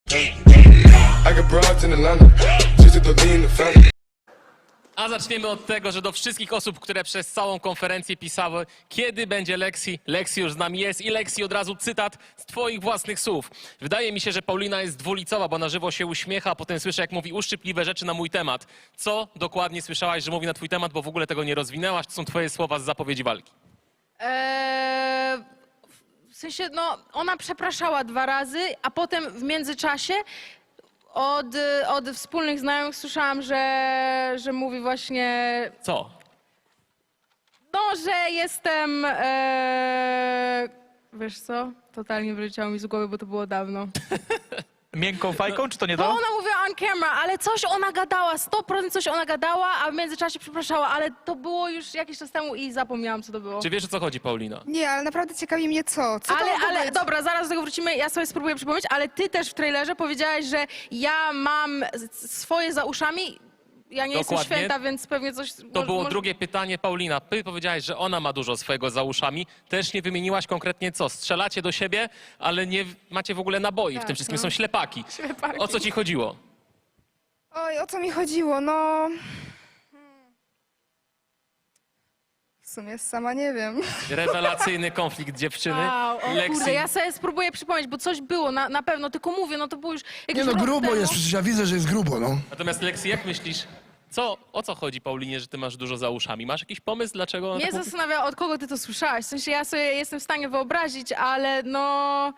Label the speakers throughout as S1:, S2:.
S1: I got broads in Atlanta, just to throw lean in the family.
S2: A zaczniemy od tego, że do wszystkich osób, które przez całą konferencję pisały, kiedy będzie Lexi, Lexi już z nami jest i Lexi od razu cytat z twoich własnych słów. Wydaje mi się, że Paulina jest dwulicowa, bo na żywo się uśmiecha, a potem słyszę, jak mówi uszczypliwe rzeczy na mój temat. Co dokładnie słyszałaś, że mówi na twój temat, bo w ogóle tego nie rozwinęłaś? To są twoje słowa z zapowiedzi walki.
S3: W sensie, no, ona przepraszała 2 razy, a potem w międzyczasie od wspólnych znajomych słyszałam, że mówi właśnie,
S2: Co?
S3: no, że jestem, wiesz co, totalnie wyleciało mi z głowy, bo to było dawno.
S4: Miękką fajką, czy to nie
S3: Bo
S4: to?
S3: ona mówiła on camera, ale coś ona gadała, 100% coś ona gadała, a w międzyczasie przepraszała, ale to było już jakiś czas temu i zapomniałam, co to było.
S2: Czy wiesz, o co chodzi, Paulina?
S5: Nie, ale naprawdę ciekawi mnie co. Co to mogło
S3: Ale
S5: być?
S3: dobra, zaraz do tego wrócimy, ja sobie spróbuję przypomnieć, ale ty też w trailerze powiedziałaś, że ja mam swoje za uszami, ja nie jestem
S2: Dokładnie.
S3: święta, więc pewnie coś...
S2: To było drugie pytanie, Paulina. Ty powiedziałaś, że ona ma dużo swojego za uszami. Też nie wymieniłaś konkretnie co. Strzelacie do siebie, ale nie macie w ogóle naboi. W
S3: Tak,
S2: tym wszystkim
S3: no.
S2: są ślepaki.
S3: Ślepaki.
S2: O co ci chodziło?
S5: Oj, o co mi chodziło? No... W sumie sama nie wiem.
S2: Rewelacyjny konflikt dziewczyny.
S3: Wow, o
S2: Lexi.
S3: kurde, ja sobie spróbuję przypomnieć, bo coś było, na pewno, tylko mówię, no to było już jakiś
S6: Nie no,
S3: rok
S6: grubo
S3: temu.
S6: jest, przecież ja widzę, że jest grubo, no.
S2: Natomiast Lexi, jak myślisz, o co chodzi, Paulinie, że ty masz dużo za uszami? Masz jakiś pomysł, dlaczego ona
S3: Mnie
S2: tak mówi?
S3: zastanawia, od kogo ty to słyszałaś. W sensie ja sobie jestem w stanie wyobrazić, ale no...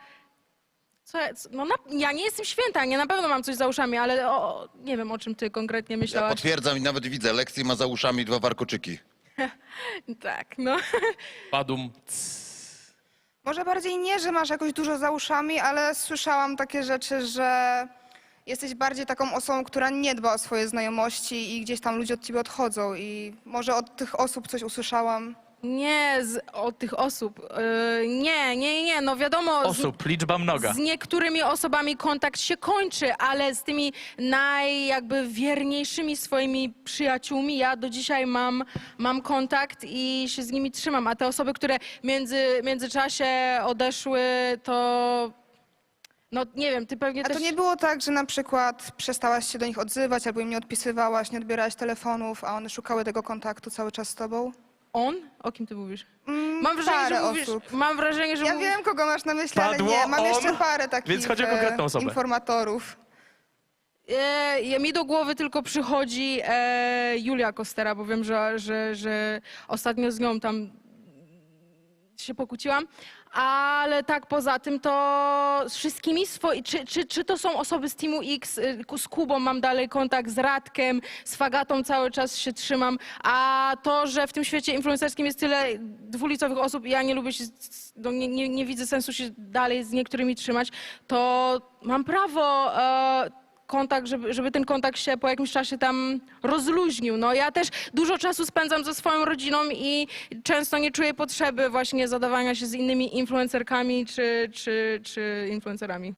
S3: ja nie jestem święta, nie na pewno mam coś za uszami, ale nie wiem, o czym ty konkretnie
S7: Ja
S3: myślałaś.
S7: potwierdzam i nawet widzę, Lexi ma za uszami 2 warkoczyki.
S3: Tak, no.
S2: Padum.
S5: Może bardziej nie, że masz jakoś dużo za uszami, ale słyszałam takie rzeczy, że jesteś bardziej taką osobą, która nie dba o swoje znajomości i gdzieś tam ludzie od ciebie odchodzą i może od tych osób coś usłyszałam.
S3: Nie od tych osób. Nie, no wiadomo.
S4: Osób, liczba mnoga.
S3: Z niektórymi osobami kontakt się kończy, ale z tymi jakby wierniejszymi swoimi przyjaciółmi ja do dzisiaj mam kontakt i się z nimi trzymam. A te osoby, które w międzyczasie odeszły, to no nie wiem, ty pewnie
S5: A
S3: też...
S5: to nie było tak, że na przykład przestałaś się do nich odzywać albo im nie odpisywałaś, nie odbierałaś telefonów, a one szukały tego kontaktu cały czas z tobą?
S3: On? O kim ty mówisz?
S5: Parę osób.
S3: Mam wrażenie, że
S5: Ja
S3: mówisz...
S5: wiem, kogo masz na myśli, ale
S4: Padło
S5: nie. Mam jeszcze
S4: on,
S5: parę takich
S4: więc chodzi o konkretną osobę.
S5: informatorów.
S3: Mi do głowy tylko przychodzi Julia Kostera, bo wiem, że ostatnio z nią tam się pokłóciłam. Ale tak poza tym to z wszystkimi czy to są osoby z Teamu X, z Kubą mam dalej kontakt, z Radkiem, z Fagatą cały czas się trzymam, a to, że w tym świecie influencerskim jest tyle dwulicowych osób i ja nie lubię się, nie widzę sensu się dalej z niektórymi trzymać, to mam prawo kontakt, żeby ten kontakt się po jakimś czasie tam rozluźnił. No ja też dużo czasu spędzam ze swoją rodziną i często nie czuję potrzeby właśnie zadawania się z innymi influencerkami czy influencerami.